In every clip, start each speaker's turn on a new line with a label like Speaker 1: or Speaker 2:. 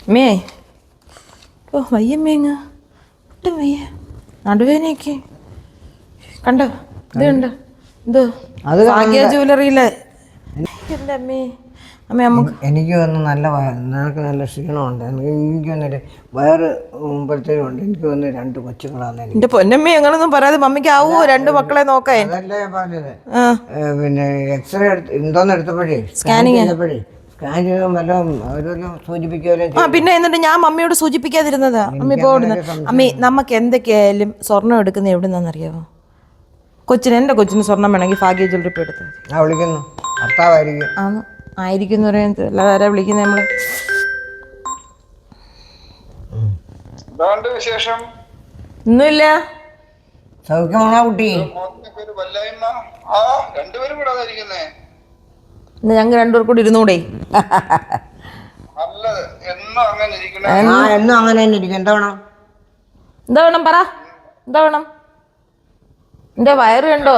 Speaker 1: May ഓ വയ്യമ്മേങ്ങ ഒട്ടും വയ്യ നടുവേനയൊക്കെ കണ്ടോ ഇത് കണ്ടോ എന്തോ ഭാഗ്യ ജ്വല്ലറിയിലെ എൻ്റെ അമ്മേ അമ്മ നമുക്ക്
Speaker 2: എനിക്ക് വന്ന് നല്ല നിനക്ക് നല്ല ക്ഷീണമുണ്ട് എനിക്ക് വന്നിട്ട് വയറ് മുമ്പത്തേക്കുണ്ട് എനിക്ക് വന്ന് 2 കൊച്ചുങ്ങളാണ്
Speaker 1: എൻ്റെ പൊന്നമ്മ അങ്ങനൊന്നും പറയാതെ മമ്മിക്ക് ആവോ 2 മക്കളെ നോക്കാൻ
Speaker 2: അതല്ലേ ഞാൻ പറഞ്ഞത് പിന്നെ എക്സ്റേ എന്തോന്ന് എടുത്തപ്പോഴേ
Speaker 1: സ്കാനിങ്
Speaker 2: ചെയ്തപ്പോഴേ സ്കാൻ ചെയ്താൽ വല്ലതും അവരൊന്നും സൂചിപ്പിക്കുകയും
Speaker 1: പിന്നെ എന്നിട്ട് ഞാൻ മമ്മിയോട് സൂചിപ്പിക്കാതിരുന്നതാ അമ്മ ഇപ്പോൾ ഓടുന്നത് അമ്മേ നമുക്ക് എന്തൊക്കെയായാലും സ്വർണ്ണം എടുക്കുന്നത് എവിടുന്നാണെന്നറിയാമോ എൻ്റെ കൊച്ചിന് സ്വർണ്ണം വേണമെങ്കിൽ ഭാഗ്യ ജ്വല്ലറി ഇപ്പോൾ എടുത്തത്
Speaker 2: ഞാൻ വിളിക്കുന്നു ഭർത്താവായിരിക്കും
Speaker 1: ആന്ന് ആയിരിക്കും എന്ന് പറയുന്നത് അല്ലാതെ ആരാ വിളിക്കുന്നത് നമ്മള് ഒന്നുമില്ല
Speaker 2: സൗഖ്യമാണോ കുട്ടി
Speaker 1: ഞങ്ങൾ 2 പേർ കൂടി ഇരുന്നൂടെ
Speaker 2: എന്നും അങ്ങനെ തന്നെ ഇരിക്കും എന്താ
Speaker 1: വേണം പറ എന്താ വേണം എന്റെ വയറ് കണ്ടോ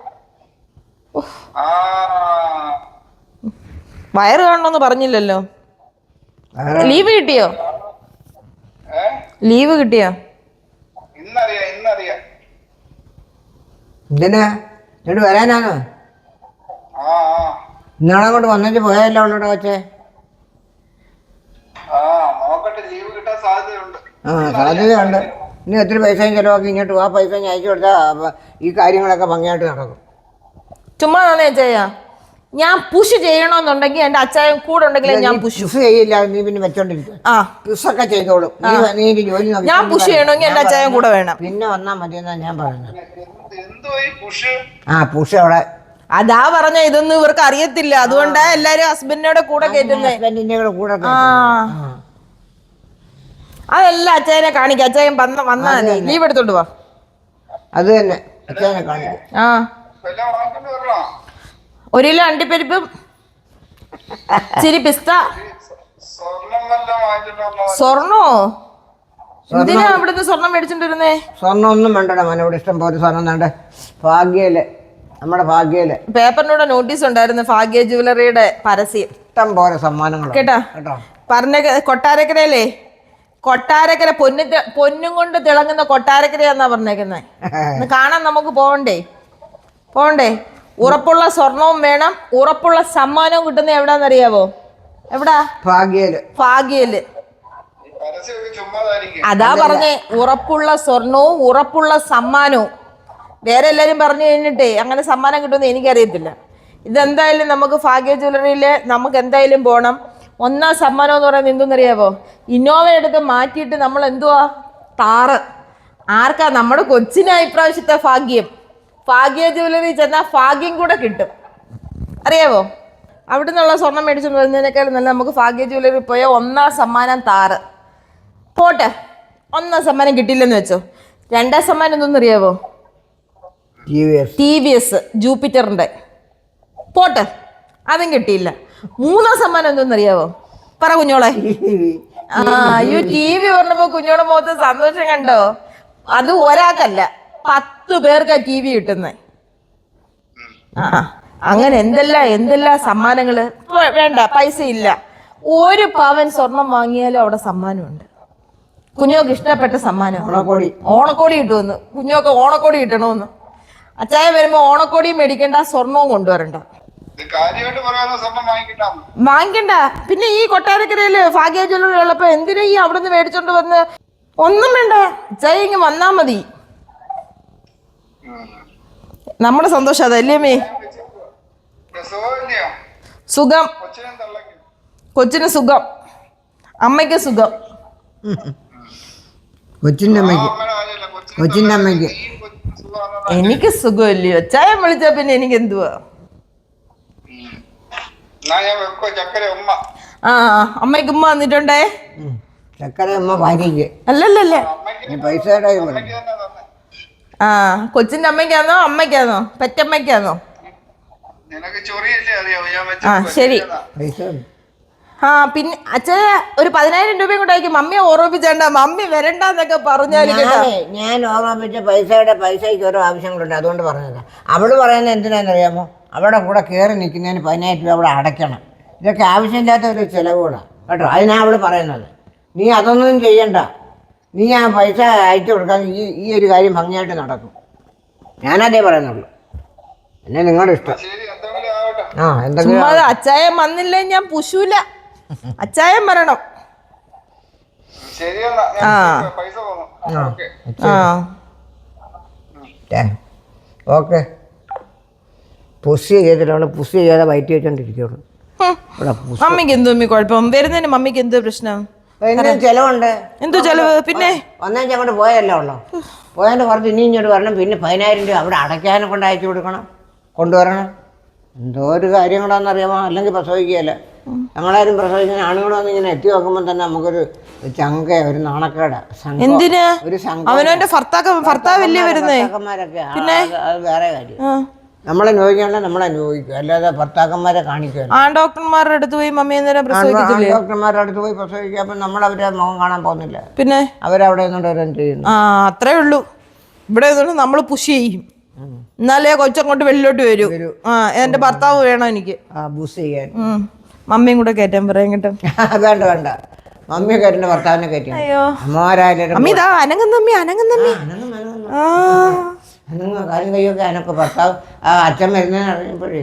Speaker 1: വയറ് കാണണമെന്ന് പറഞ്ഞില്ലല്ലോ ലീവ് കിട്ടിയോ
Speaker 2: എന്തിനാ എന്നിട്ട് വരാനാണോ ഇന്നാളെ കൊണ്ട് വന്നിട്ട് പോയല്ലോ അവളോട് വെച്ചേ സാധ്യതയുണ്ട് ഇനി ഒത്തിരി പൈസയും ചിലവാക്കി ഇങ്ങോട്ട് ആ പൈസ ഞാൻ അയച്ചു കൊടുത്താൽ ഈ കാര്യങ്ങളൊക്കെ ഭംഗിയായിട്ട് നടക്കും
Speaker 1: ചുമ്മാ അച്ഛായ ഞാൻ പുഷ് ചെയ്യണമെന്നുണ്ടെങ്കിൽ എന്റെ അച്ചായൻ കൂടെ ഉണ്ടെങ്കിൽ ഞാൻ പുഷ്
Speaker 2: ചെയ്യില്ല നീ പിന്നെ വെച്ചോണ്ടിരിക്കും പുഷൊക്കെ ചെയ്തോളും നീ ജോലി
Speaker 1: ഞാൻ പുഷ് ചെയ്യണമെങ്കിൽ എന്റെ അച്ചായൻ കൂടെ വേണം
Speaker 2: പിന്നെ വന്നാൽ മതി എന്നാ ഞാൻ പറയുന്നത് പുഷ് അവിടെ
Speaker 1: അതാ പറഞ്ഞ ഇതൊന്നും ഇവർക്ക് അറിയത്തില്ല അതുകൊണ്ടാ എല്ലാരും ഹസ്ബൻഡിനോട് കൂടെ കേട്ടുന്നത്
Speaker 2: കൂടെ
Speaker 1: അതല്ല അച്ചായനെ കാണിക്കാം അച്ചായൻ വന്നാ ലീവ് എടുത്തോണ്ട് പോവാ
Speaker 2: അത് തന്നെ അച്ചായനെ കാണിക്കാം
Speaker 1: 1 കിലോ അണ്ടിപ്പരിപ്പും ഇച്ചിരി പിസ്ത സ്വർണ്ണോ എന്തിനാ ഇവിടുന്ന് സ്വർണം മേടിച്ചോണ്ടിരുന്നേ
Speaker 2: സ്വർണ്ണം ഒന്നും വേണ്ടടാ മനോട് ഇഷ്ടം പോലെ സ്വർണ്ണം വേണ്ട ഭാഗ്യയില് നമ്മുടെ ഭാഗ്യയില്
Speaker 1: പേപ്പറിനൂടെ നോട്ടീസ് ഉണ്ടായിരുന്നു ഭാഗ്യ ജ്വല്ലറിയുടെ പരസ്യം
Speaker 2: ഇഷ്ടം പോലെ സമ്മാനങ്ങൾ
Speaker 1: കേട്ടാ പറഞ്ഞ കൊട്ടാരക്കരയിലേ കൊട്ടാരക്കര പൊന്നും കൊണ്ട് തിളങ്ങുന്ന കൊട്ടാരക്കരയാന്നാ പറഞ്ഞേക്കുന്നത് കാണാൻ നമുക്ക് പോണ്ടേ ഉറപ്പുള്ള സ്വർണവും വേണം ഉറപ്പുള്ള സമ്മാനവും കിട്ടുന്ന എവിടാന്നറിയാവോ എവിടാ ഭാഗ്യയില് അതാ പറഞ്ഞേ ഉറപ്പുള്ള സ്വർണവും ഉറപ്പുള്ള സമ്മാനവും വേറെ എല്ലാരും പറഞ്ഞു കഴിഞ്ഞിട്ടേ അങ്ങനെ സമ്മാനം കിട്ടുമെന്ന് എനിക്കറിയത്തില്ല ഇതെന്തായാലും നമുക്ക് ഭാഗ്യ ജ്വല്ലറിയില് നമുക്ക് എന്തായാലും പോകണം 1ാം സമ്മാനം എന്ന് പറയുന്നത് എന്തെന്നറിയാവോ ഇന്നോവ എടുത്ത് മാറ്റിയിട്ട് നമ്മൾ എന്തുവാ താറ് ആർക്കാ നമ്മുടെ കൊച്ചിനാ ഇപ്രാവശ്യത്തെ ഭാഗ്യ ജ്വല്ലറി ചെന്നാൽ ഭാഗ്യം കൂടെ കിട്ടും അറിയാവോ അവിടെ നിന്നുള്ള സ്വർണം മേടിച്ചോണ്ട് വരുന്നതിനേക്കാളും നല്ല നമുക്ക് ഭാഗ്യ ജ്വല്ലറി പോയാൽ 1ാം സമ്മാനം താറ് പോട്ടെ 1ാം സമ്മാനം കിട്ടിയില്ലെന്ന് വെച്ചോ 2ാം സമ്മാനം എന്തെന്നറിയാവോ TVS ജൂപ്പിറ്ററിന്റെ പോട്ടെ അതും കിട്ടിയില്ല 3ാം സമ്മാനം എന്തെന്നറിയാവോ പറ കുഞ്ഞോളെ TV പറഞ്ഞപ്പോ കുഞ്ഞോടെ മുഖത്ത് സന്തോഷം കണ്ടോ അത് ഒരാൾക്കല്ല 10 പേർക്കാ TV കിട്ടുന്നേ അങ്ങനെ എന്തെല്ലാം സമ്മാനങ്ങള് വേണ്ട പൈസ ഇല്ല 1 പവൻ സ്വർണം വാങ്ങിയാലും അവിടെ സമ്മാനമുണ്ട് കുഞ്ഞോക്ക് ഇഷ്ടപ്പെട്ട സമ്മാനം ഓണക്കോടി കിട്ടുമെന്ന് കുഞ്ഞോക്ക് ഓണക്കോടി കിട്ടണമെന്ന് അച്ചായ വരുമ്പോ ഓണക്കോടിയും മേടിക്കണ്ട സ്വർണവും കൊണ്ടുവരണ്ട വാങ്ങിക്കണ്ട പിന്നെ ഈ കൊട്ടാരക്കരയില് ഭാഗ്യ ജ്വല്ലറി ഉള്ളപ്പോ എന്തിനാ ഈ അവിടെ നിന്ന് മേടിച്ചോണ്ട് വന്ന് ഒന്നും വേണ്ട അച്ചായ ഇങ്ങ് വന്നാ മതി നമ്മുടെ സന്തോഷം അതല്ലേ മേ സുഖം കൊച്ചിന് സുഖം അമ്മയ്ക്ക് സുഖം
Speaker 2: കൊച്ചിന്റെ അമ്മയ്ക്ക്
Speaker 1: എനിക്ക് സുഖമില്ലയോ ചായ വിളിച്ചാ പിന്നെ എനിക്ക് എന്തുവാ അമ്മയ്ക്ക് ഉമ്മ വന്നിട്ടുണ്ടേ അല്ലല്ലേ കൊച്ചിന്റെ അമ്മയ്ക്കാന്നോ അമ്മയ്ക്കാന്നോ പെറ്റമ്മയ്ക്കാന്നോ ശരി പിന്നെ അച്ഛൻ ഒരു 10,000 രൂപയും കൂടെ ആയിരിക്കും മമ്മിയെ ഓർമ്മിപ്പിച്ചേണ്ട മമ്മി വരണ്ടെന്നൊക്കെ പറഞ്ഞാൽ
Speaker 2: ഞാൻ ഓർമ്മിപ്പിച്ച പൈസയ്ക്ക് ഓരോ ആവശ്യങ്ങളുണ്ട് അതുകൊണ്ട് പറഞ്ഞത് അവള് പറയുന്നത് എന്തിനാണെന്നറിയാമോ അവിടെ കൂടെ കയറി നിൽക്കുന്നതിന് 10,000 രൂപ അവിടെ അടയ്ക്കണം ഇതൊക്കെ ആവശ്യമില്ലാത്ത ഒരു ചിലവുകളാണ് കേട്ടോ അതിനാണ് അവള് പറയുന്നത് നീ അതൊന്നും ചെയ്യണ്ട. നീ ആ പൈസ അയച്ചു കൊടുക്കാൻ ഈ ഒരു കാര്യം ഭംഗിയായിട്ട് നടക്കും. ഞാനതേ പറയുന്നുള്ളൂ. പിന്നെ നിങ്ങളുടെ ഇഷ്ടം. ആ എന്തെങ്കിലും
Speaker 1: ചുമ്മാ അച്ചായൻ വന്നില്ലേ ഞാൻ പുശൂല. അച്ചായൻ വരണം. ആ ആ
Speaker 2: ഓക്കെ. പുഷ് ചെയ്തിട്ടുള്ള പുഷ് ചെയ്യാതെ വയറ്റി വെച്ചോണ്ടിരിക്കുള്ളൂ.
Speaker 1: മമ്മിക്ക് എന്തോ കുഴപ്പം? വരുന്നതിന് മമ്മിക്ക് എന്തോ പ്രശ്നം?
Speaker 2: ചെലവുണ്ട്.
Speaker 1: എന്തോ ചെലവ്? പിന്നെ
Speaker 2: ഒന്നേച്ച് അങ്ങോട്ട് പോയല്ലോ ഉള്ളു. പോയതിൻ്റെ പുറത്ത് ഇനി ഇങ്ങോട്ട് വരണം. പിന്നെ 10,000 രൂപ അവിടെ അടയ്ക്കാനെ കൊണ്ട് അയച്ചു കൊടുക്കണം, കൊണ്ടുവരണം. എന്തോ ഒരു കാര്യങ്ങളാണെന്നറിയാമോ? അല്ലെങ്കിൽ പ്രസവിക്കുകയല്ല. ഞങ്ങളാരും പ്രസവിക്കുന്ന ആണുങ്ങൾ വന്ന് ഇങ്ങനെ എത്തി നോക്കുമ്പോൾ തന്നെ നമുക്കൊരു ചങ്ക, ഒരു നാണക്കേട്.
Speaker 1: എന്തിനാ
Speaker 2: ഒരു
Speaker 1: അവനവന്റെ ഭർത്താവല്ലേ വരുന്നേ?
Speaker 2: പിന്നെ അത് വേറെ കാര്യം. നമ്മളെ നോക്കിയാൽ നമ്മളെ നോക്കിക്കും, അല്ലാതെ ഭർത്താക്കന്മാരെ കാണിക്കുക.
Speaker 1: ആ ഡോക്ടർമാരുടെ അടുത്ത് പോയി മമ്മി നേരം പ്രസവിക്കത്തില്ലേ?
Speaker 2: ഡോക്ടർമാരുടെ അടുത്ത് പോയി പ്രസവിക്കുക. അപ്പം നമ്മളവരെ മുഖം കാണാൻ പോകുന്നില്ല.
Speaker 1: പിന്നെ
Speaker 2: അവരവിടെ നിന്നുകൊണ്ട് ഓരോന്നും ചെയ്യുന്നു.
Speaker 1: ആ അത്രേ ഉള്ളൂ. ഇവിടെ നമ്മൾ പുഷ് ചെയ്യും, എന്നാലേ കൊച്ചങ്ങോട്ട് വെളിയിലോട്ട് വരൂ. ആ എന്റെ ഭർത്താവ് വേണം എനിക്ക്.
Speaker 2: ബൂസ് ചെയ്യാൻ
Speaker 1: മമ്മിയും കൂടെ കയറ്റാൻ പറയാം കേട്ടോ.
Speaker 2: വേണ്ട വേണ്ട, മമ്മിയെ കയറ്റുന്ന ഭർത്താവിനെ കയറ്റി.
Speaker 1: അയ്യോ
Speaker 2: അമ്മമാരായാലും
Speaker 1: അമ്മി ഇതാ അനങ്ങുന്നമ്മി അനങ്ങുന്നമ്മി. ആ
Speaker 2: അനങ്ങ കാര്യം കയ്യൊക്കെ അനക്ക് ഭർത്താവ് ആ അച്ഛൻ വരുന്നതെന്ന് അറിഞ്ഞപ്പോഴേ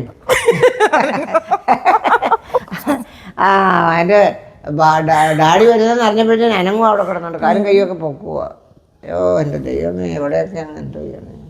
Speaker 2: അതിൻ്റെ ഡാഡി വരുന്നതെന്ന് അറിഞ്ഞപ്പോഴത്തേന് അനങ്ങും അവിടെ കിടന്നുണ്ട്. കാര്യം കയ്യൊക്കെ പൊക്കുക. അയ്യോ എൻ്റെ ദൈവമേ, എവിടെയൊക്കെ അങ്ങ് എന്തോ ചെയ്യണേ.